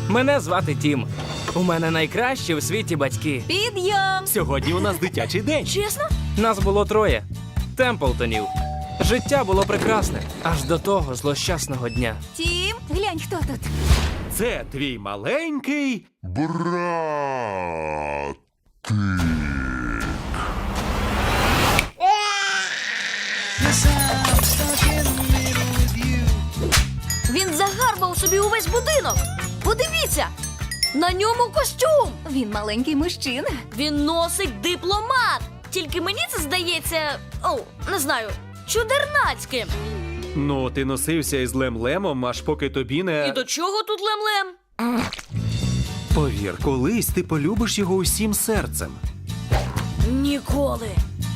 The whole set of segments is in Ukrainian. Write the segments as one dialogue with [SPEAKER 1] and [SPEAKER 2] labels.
[SPEAKER 1] Мене звати Тім. У мене найкращі у світі батьки.
[SPEAKER 2] Підйом!
[SPEAKER 3] Сьогодні у нас дитячий день.
[SPEAKER 2] Чесно?
[SPEAKER 1] Нас було троє. Темплтонів. Життя було прекрасне. Аж до того злощасного дня.
[SPEAKER 2] Тім, глянь, хто тут.
[SPEAKER 3] Це твій маленький.
[SPEAKER 4] Брат.
[SPEAKER 2] Він загарбав собі увесь будинок. Подивіться! На ньому костюм! Він маленький мужчина. Він носить дипломат. Тільки мені це здається, не знаю, чудернацьким.
[SPEAKER 3] Ну, ти носився із Лем-Лемом, аж поки тобі не...
[SPEAKER 2] І до чого тут лем-лем?
[SPEAKER 3] Повір, колись ти полюбиш його усім серцем.
[SPEAKER 2] Ніколи.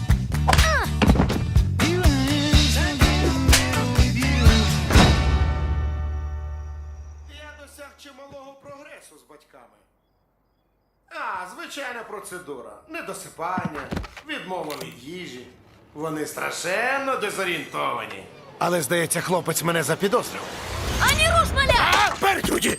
[SPEAKER 5] Я досяг чималого прогресу з батьками. Звичайна процедура. Недосипання, відмова від їжі. Вони страшенно дезорієнтовані. Але, здається, хлопець мене запідозрив.
[SPEAKER 2] Ані руш, маля!
[SPEAKER 5] Пердюді!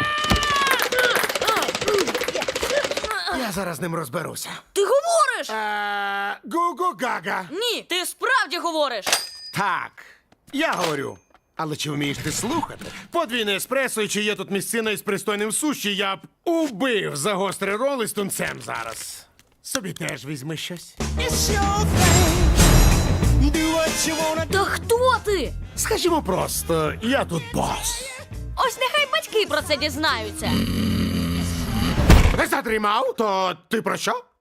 [SPEAKER 5] Я зараз з ним розберуся.
[SPEAKER 2] Ти говориш?
[SPEAKER 5] Гу-гу-гага.
[SPEAKER 2] Ні, ти справді говориш.
[SPEAKER 5] Так, я говорю. Але чи вмієш ти слухати? Подвійне еспресо, і чи є тут місцина із пристойним суші, я б убив за гострий рол із тунцем зараз. Собі теж візьми щось.
[SPEAKER 2] Та хто ти?
[SPEAKER 5] Скажімо просто, я тут бос.
[SPEAKER 2] Ось нехай батьки про це дізнаються.
[SPEAKER 5] Не задрімав, то ти про що?